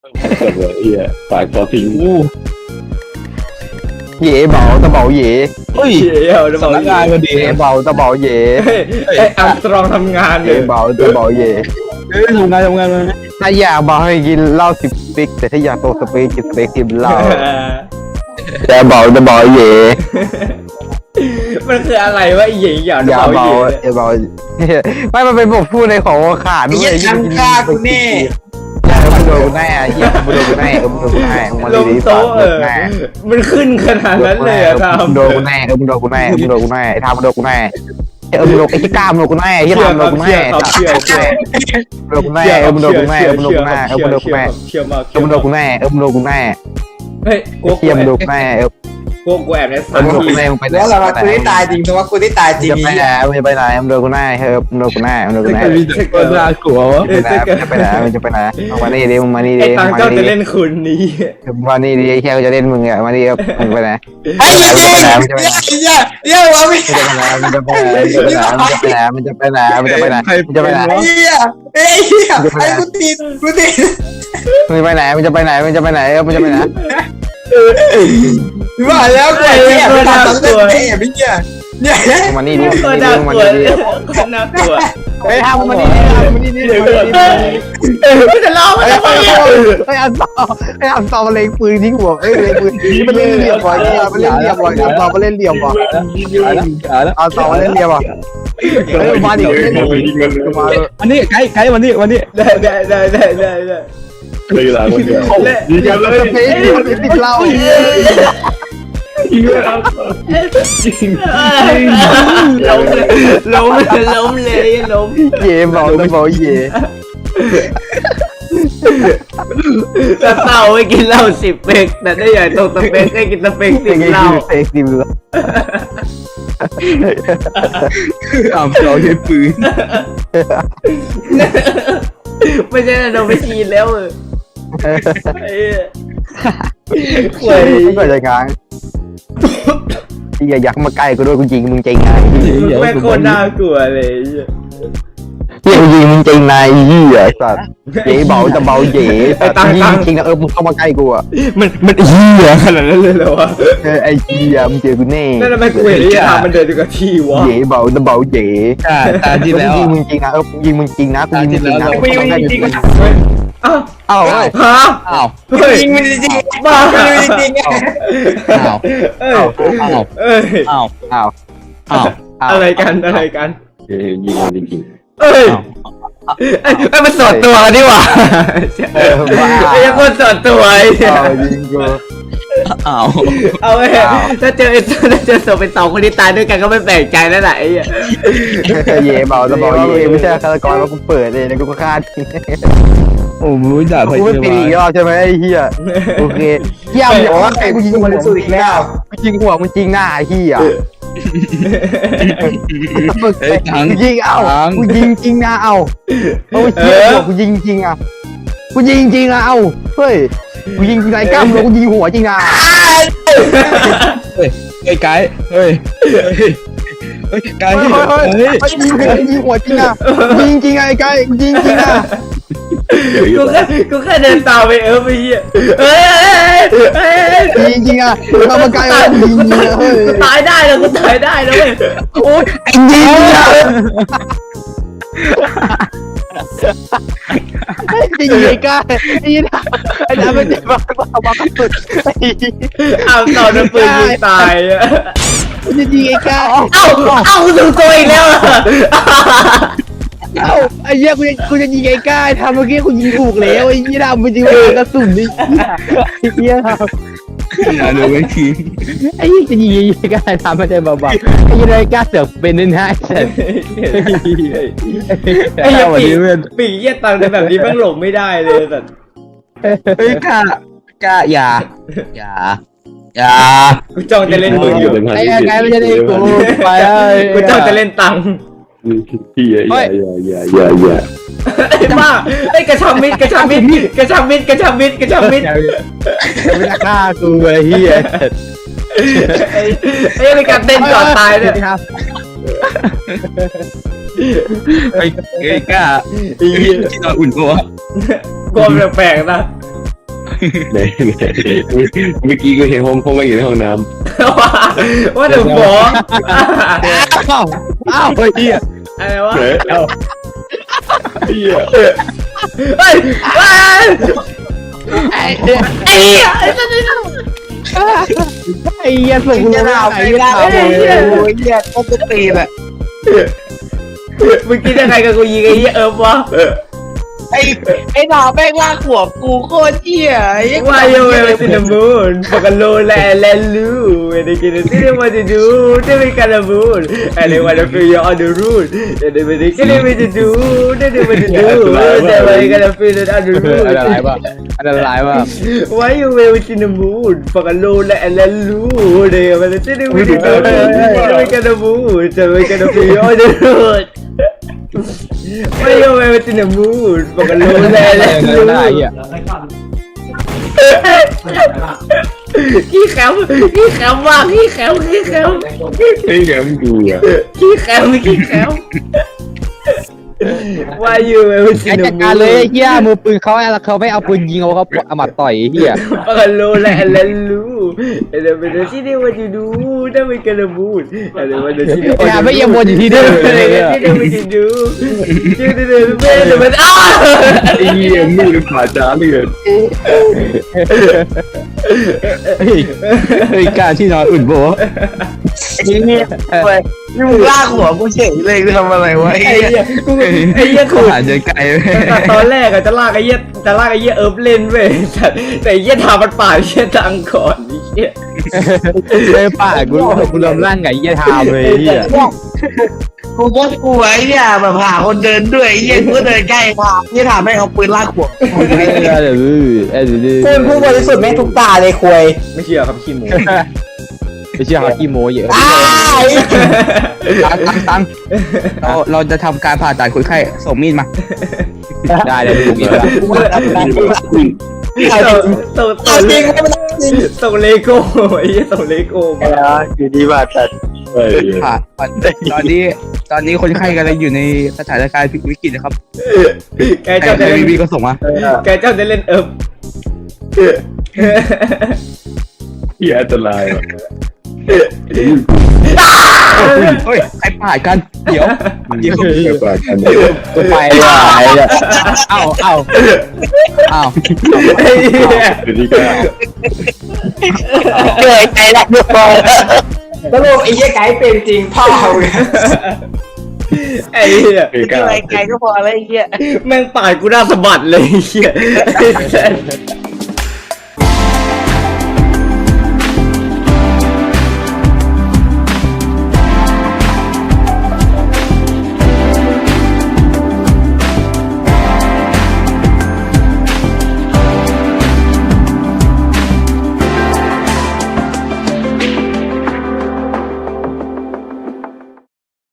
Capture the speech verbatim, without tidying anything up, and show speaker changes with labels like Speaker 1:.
Speaker 1: กับเลยเฮียฝากคอทิ้ง
Speaker 2: เย่เบาตะเบาเย่
Speaker 3: เฮ้ย
Speaker 4: เชี่ยวจะบ
Speaker 3: สำ
Speaker 4: อก
Speaker 3: นักงานพอดี
Speaker 2: เย่เบาตะเบาเย่
Speaker 4: ไอ้อัมสตรองทำงานเล
Speaker 2: เย่
Speaker 4: ย
Speaker 2: เบาตะเบาเย่
Speaker 3: เอ้ยทำงานทำงานมา
Speaker 2: ถ้าอยากเบาให้กินเหล้าสิบสเปกแต่ถ้าอยากโตสเปกกินสเปกกินเหล้าแต่เบาตะเบาเย่
Speaker 4: มันคืออะไรวะไอ้หญิงอย่าง
Speaker 2: อย่า
Speaker 4: เบา
Speaker 2: เบา
Speaker 4: เย่
Speaker 2: อย่าเบาไม่มันเป็นบทพูดในของขาดด้วย
Speaker 5: ไอ้เหี้ยทำฆ่ากูแน่
Speaker 2: อย่ามึงโดนกูแน่เฮียมึงโดนกูแน่มึงโดนกูแน่มึง
Speaker 4: ลง
Speaker 2: ดี
Speaker 4: โต๊ะ
Speaker 2: ๆ
Speaker 4: เออ
Speaker 2: แน่
Speaker 4: มันขึ้นขนาดนั้นเลยอะท
Speaker 2: มึงโดนกูแน่เออมึงโดนกูแน่เออมึงโดนกูแน่ไอ้ทามมึงโดนกูแน่เออมึงโดนไอ้ที่กล้ามมึงโดนกูแน่ไอ้
Speaker 4: ำ
Speaker 2: ที่
Speaker 4: เชื่อ
Speaker 2: ทามมึง
Speaker 4: ค
Speaker 2: โด
Speaker 4: รั
Speaker 2: น
Speaker 4: บ
Speaker 2: กู
Speaker 4: เชื่
Speaker 2: แน่
Speaker 4: อครับเชื่อเชื่อ
Speaker 2: มึงโดนกูแน่เออมึงโดนกูแน่เออมึงโดนกูแน่เออมึงโดนกูแน่
Speaker 4: เชื่อมาก
Speaker 2: เออมึงโดนกูแน่เออมึงโดนกูแน่
Speaker 4: เฮ้ยกู
Speaker 2: เฮียมึงโดนกูแน่เออ
Speaker 4: กูกูแอบใน
Speaker 2: เอ
Speaker 4: สา
Speaker 2: อ
Speaker 4: ม
Speaker 2: มึงโดน
Speaker 4: ที
Speaker 2: กูแน่มึงไปไหน
Speaker 5: แล้วเรากูได้ตายจริงเพราะว่ากูได้ตายจริง
Speaker 2: จะไปไหนมึงจะไปไหนมึงโดนกูแน่เออมึงโดนกูแน่มึงโดนกูแน่
Speaker 3: มีแต่คนน่ากลัววะ
Speaker 4: เออ
Speaker 2: จะไปไหนมึงจะไปไหนมึงมานี่ดิมึงมานี่ดิ
Speaker 4: ไอ้ตัง
Speaker 2: มึง
Speaker 4: เจ้า
Speaker 2: มา
Speaker 4: จะ
Speaker 2: นี่ดิ
Speaker 4: เล่นคุณนี้
Speaker 2: มึงมานี่ดิแค่กูจะเล่นมึงอ่ะมานี่มึงไปไหน
Speaker 5: ไอ้เหี้ยเหี้ยเหี้ยวะพี่
Speaker 2: มึงจะไปไหนมึงจะไปไหนมึงจะไปไหนมึงจะไปไหนมึงจะไปไหนมึงจะไปไหน
Speaker 5: ไอ้เหี้ยไอ้เหี้ยไอ้กูติดกูติด
Speaker 2: มึงจะไปไหนมึงจะไปไหนมึงจะไปไหนเออมึงจะไปไหน
Speaker 5: ว่าแล้วกูไอ้เหี้ยไปตัดต้นเต้ไอ้เหี้ยเนี่ย
Speaker 2: มึงมานี่ดิ
Speaker 4: ก็
Speaker 2: มึง
Speaker 4: น่า
Speaker 2: มา
Speaker 4: กลัว
Speaker 2: นี่ดิ
Speaker 4: ก็น่ากลัว
Speaker 2: เฮ้ยทำมานี่ดิมานี่ดิ
Speaker 4: เดี๋ยวก่อนเออไม่จะเล่าไม่
Speaker 2: เฮ้ย
Speaker 4: จะ
Speaker 2: เฮ้
Speaker 4: เล่าย
Speaker 2: เฮ้ยอันต่อเฮ้ยอันต่อมาเล็งปืนทิ้งหัวเฮ้ยเล็งปืนมันเล่นเหลี่ยมบ่อยมันเล่นเหลี่ยมบ่อยอันต่อมาเล่นเหลี่ยมบ่อย
Speaker 3: ขาแล้วขาแล้ว
Speaker 2: อันต่อมาเล่นเหลี่ยมบ่อยเฮ้ยมาดิมา
Speaker 3: อันนี้ไกด์ไกด์วันนี้วันนี้
Speaker 4: ได้ได้ได้ได้ได้ได้
Speaker 1: เลยเวลาคนเดียว
Speaker 2: เดี๋ยวเราจะไปติดเหล้า
Speaker 4: ล้มเลยล้มเลยล้มเลยล้ม
Speaker 2: เย่เบาตะเบาเย่
Speaker 4: แต่เต่าไม่กินเหล้าสิบเป๊กแต่ได้ใหญ่ตกสเป๊กได้กินสเป๊กสิบเหล้า
Speaker 2: เซ็กซิมเลย
Speaker 3: อ่ำเราใช้ปืน
Speaker 4: ไม่ใช่โดนไปชีนแล้วเออไอ้หวย
Speaker 2: ไม่เคยจะงานอย่าอยากมาใกล้กูด้วยกูยิงมึงจริงไง
Speaker 4: แม่งโคตรน่ากลัวเลย
Speaker 2: เฮียยิงมึงจริงนายเฮียสัตว์เจ๋เบาจะเบาเจ๋สัตว์ยิงจริงนะเออมึงเข้ามาใกล้กูอ่ะ
Speaker 4: มันมันเหี้ยขนาดนั้นเลยเหรอวะ
Speaker 2: เออไอ้เฮียมึงเจอกูแน่
Speaker 4: นั่นทำไมกูเห็นไอ้ทางมันเดินอยู่กับที่วะ
Speaker 2: เจ๋เบาจะเบาเจ๋
Speaker 3: ตาตาที่แล้ว
Speaker 2: ยิงมึงจริงนะเออยิงมึงจริงนะกูยิงมึงจริงนะ
Speaker 4: วิ่งวิ่งจริงอ้าว
Speaker 2: อ้าว
Speaker 4: ฮะ
Speaker 3: อ้าว
Speaker 4: เฮ้ย
Speaker 5: จริงมันจริง
Speaker 4: บ้า
Speaker 5: จริง
Speaker 3: อ้าว
Speaker 4: เอ้ย
Speaker 3: อ้าว
Speaker 4: เอ้ย
Speaker 3: อ้าว
Speaker 2: อ้าว
Speaker 3: อ้าว
Speaker 4: อะไรกันอะไรกัน
Speaker 1: ยิงจริง
Speaker 4: เอ้ยไอ้มันสอดตัวนี่หว่า
Speaker 2: เออบ้า
Speaker 4: ไอ้ยังคนสอดตัวไอ้เนี่ย
Speaker 2: อ้าวยิงกู
Speaker 3: อ้าว
Speaker 4: เอาไว้ถ้าเจอไอ้ถ้าเจอศพเป็นสองคนที่ตายด้วยกันก็ไม่แปลกใจแล้วแหละไอ้เหี้ย
Speaker 2: เย่เบาจะเบาเย่ไม่ใช่ฆาตกรว่ากูเปิดเลยนะกูก็ฆ่าทิ้ง
Speaker 3: โอ้มึงด่าพ
Speaker 2: กูไม่
Speaker 3: ยา
Speaker 2: ปีอีกร
Speaker 3: บาล
Speaker 2: อบใช่ไหมไอ้เหี้ยโอเคเหี้ยมึงอย่าว่าใครกูยิงหัว
Speaker 5: มัน
Speaker 2: มึง
Speaker 5: สุดอีกแล้ว
Speaker 2: กูยิงหัวมึงจริงหน้าไอ้เหี้ย
Speaker 3: เฮ้ยตัง
Speaker 2: กูยิงเอ้ากูยิงจริงนะเอ้าเอาเหี้ยหัวกูยิงจริงอ่ะกูยิงจริงอ่ะเอ้าเฮ้ยกูยิงไรกล้ามแล้วกูยิงหัวจริงนะ
Speaker 3: เฮ้ยไอ้ไกด์เฮ้ยเฮ้ยไกด์
Speaker 2: เฮ้ยเฮ้ย
Speaker 3: เฮ้ย
Speaker 2: เฮ้ยยิงยิงหัวจริงอ่ะยิงจริงไอ้ไก่ยิงจริงอ่ะ
Speaker 4: กูแค่กูแค่เดินตามไปเออไปเหี้ยเฮ้ยเฮ้ย
Speaker 2: ยิงจริงอ่ะทำมาไกลยิงจริงอ่ะเฮ้ย
Speaker 4: กูตายได้แล้วกูตายได้แล้วเว้ยโอ๊ย
Speaker 2: ยิงอ่ะจริงไอ้ไก่ไอ้นี่นะไอ้นั่นมันจะมาบ้าบ้าสุด
Speaker 4: เอาต่อน้ำปืนยิงตายอะ
Speaker 2: จะยิงไอ้ไก่
Speaker 4: เอ้าเอ้ากูถูกตัวอีกแล้วอะ
Speaker 2: เอ้าไอ้เหี้ยกูจะกูจะยิงไอ้ไก่ทำเมื่อกี้กูยิงถูกแล้วไอ้ยี่ดำมันยิงกระสุนนี่ไอ้เหี้ย
Speaker 3: อย่าดูไอ้ที
Speaker 2: ไอ้ยี่จะยิงไอ้ไก่ทำไม่ได้เบาๆไอ้ยี่ไอ้ไก่เสือกเป็นนั่นให้เสร็จ
Speaker 4: ไอ้เหี้ย
Speaker 3: วัน
Speaker 4: ปี
Speaker 3: นี้เว้ย
Speaker 4: ปีเหี้ยตังในแบบนี้แม่งหลงไม่ได้เลยแต่
Speaker 3: เฮ้ยกล้ากล้าอย่าอย่าอย่า
Speaker 4: กูจ้องจะเล่นมึงอยู่
Speaker 2: ไอ้ไก่ไม่ใช่ได้กูไป
Speaker 4: กูจ้องจะเล่นตังค์
Speaker 1: พี่อย่าอย่าอย่าอย่าอย่า
Speaker 4: ไอ้บ้าไอ้กระชับมิดกระชับมิดกระชับมิดกระชับมิดกระชับมิด
Speaker 2: ไม่ได้ฆ่ากูไอ้เหี้ย
Speaker 4: ไอ้ไอ้เป็นการเต้นก่อนตายเนี่ย
Speaker 2: ครับ
Speaker 3: ไอ้ไอ้กล้าไอ้ที่นอนอุ่นตัว
Speaker 4: กลัวแปลกๆนะ
Speaker 1: ไหนไหนเมื่อกี้กูเห็นห้องห้องมาอยู่ในห้องน้
Speaker 4: ว่าว่าเดี๋ยวฟ้อง
Speaker 3: อ้าวอ้าวเฮ้ยเหี้ย
Speaker 4: อะไรวะ
Speaker 1: ำเฮ้ยเอ้าเฮีย
Speaker 4: เฮ้ยเฮ้ยไอ้เหี้ยไอ้เหี้ย
Speaker 2: ไอ้เหี้ยส่งกูลงได้ไงไม่ได้
Speaker 5: โอ้ยเหี้ยก็จะตีแหละ
Speaker 4: มึงคิดยังไงกับกูยิงไอ้เหี้ยเอิบวะ
Speaker 5: ไอ้ไอ้หนาแม่งลากหัวกูโคตรเหี้ยไอ้
Speaker 4: ว่าโยเวลซินมูนปากโลแลแลลูเอเดกินซิเดมาจะดูเดมิคาราบูนเอเดวันจะฟิลออนเดอร์รูนเอเดมิกิเลมิจะดูเดเดมิจะดูเดมิคาราฟิลออนเดอร์รูน
Speaker 3: อันตรายป่ะอันตรายป่ะ
Speaker 4: ว่าโยเวลซินมูนปากโลแลแลลูเดมันจะซิเดมิจะดูเดมิคาราบูนเดมิคาราฟิลออนเดอร์รูนว่าโยเวลซินมูนปากโลแลแลลู
Speaker 3: ได้เหี้ย
Speaker 4: ขี้แคมขี้แคมมากขี้แคมขี้แคม
Speaker 1: เฮ้ยเดี๋ยวมึงดูอ่ะ
Speaker 4: ขี้แคมขี้แคมว่าอยู่เอลซิ
Speaker 2: ไอ้
Speaker 4: น
Speaker 2: จัดการเลยไอ้เหี้ยมือปืนเขาแล้วเขาไม่เอาปืนยิงเอาเขาเอาหมัดต่อยไอ้เหี้ย
Speaker 4: ปากโลแลแลลูเอเดเป็นที่นี่ว่าจะดูได้ไม่กระบูดเอเดว่าจะที่นี่
Speaker 2: อย่าไม่ยังวนอยู่ที่เดิม
Speaker 4: เอ
Speaker 2: เลย
Speaker 4: เดที่นี่ว่าจะดูชื่อเดเดเม่เดมันอ้า
Speaker 1: ไอ้เหี้ยมือผ่าจ้าเลย
Speaker 3: เฮ้ยเฮ้ยการที่นอนอุ่นโบ
Speaker 5: ไอ้เหี้ยเว้ยนี่มึงลากหัวกูเฉยเลยกูทำอะไรวะไอ้
Speaker 4: ไอ้
Speaker 5: เหี้ย
Speaker 4: เหี้ยกูไอ้เหี้ย
Speaker 3: เขา
Speaker 4: ขู่
Speaker 3: หาเจอไกล
Speaker 4: ตอนแรกอะจะลากไอ้เหี้ยจะลากไอ้เหี้ยเอิร์ฟเล่นเว้ยแต่แต่ไอ้เหี้ยทามันป่าไอ้เหี้ยดังก่อนไอ้เหี้ย
Speaker 2: เลยป่ากูกูรวมร่างไก่เหี้ยทามเลยไอ้เหี้ย
Speaker 5: กูก็กลัวไอ้เนี่ยแบบหาคนเดินด้วยไอ้เหี้ยกูก็เดินใกล้ถามนี่ถามแม่งเอาปืนลากหัว
Speaker 2: เดี๋ยวเดี๋ยวเดี๋ยว
Speaker 6: คุณผู้บริสุทธิ์แม่งทุกตาเลยคุย
Speaker 4: ไม่เชื่อครับขี้หมู
Speaker 2: ไม่เชื่อเขาขี้โม้เยอะ
Speaker 6: อ้าย
Speaker 3: ตังตังตังเราเราจะทำการผ่าตัดคนไข้ส่งมีดมา
Speaker 2: ได้เลยถูกอีกแล้ว
Speaker 4: ส่งส่งส่ง
Speaker 6: จริงไม่เป็นจริง
Speaker 4: ส่งเลโก้ไอ้เหี้ยส่งเลโก้มา
Speaker 5: อยู่ดีว่าแต่
Speaker 1: เฮ้ย
Speaker 3: ผ่าตอนนี้ตอนนี้คนไข้กำลังอยู่ในสถานการณ์วิกฤตนะครับ
Speaker 4: แกเจ้าจะ
Speaker 3: ไอ้
Speaker 4: เล่น
Speaker 3: วีก็ส่งมา
Speaker 4: แกเจ้าจะเล่นเอิร์ฟ
Speaker 1: เฮียอันตรายว่ะ
Speaker 3: เฮ้ยใครผ่ากันเดี๋ยวเดี๋ยว
Speaker 1: เดี๋ยวก่อนกัน
Speaker 2: กูไปว่ะไอ้เนี่ยเอ้าเอ้าเอ้า
Speaker 4: ไอ้เหี้ย
Speaker 1: เดี๋ยวนี้ก็
Speaker 6: เกิดใจรักทุกคนสรุปไอ้เหี้ยไก่เป็นจริงพ่อเขาเนี่ย
Speaker 4: ไอ้เหี้ย
Speaker 1: เฮ้ย
Speaker 5: ไกลไกลก็พอแล้วไอ้เหี้ย
Speaker 4: แม่งปาดกูหน้าสะบัดเลยไอ้เหี้ย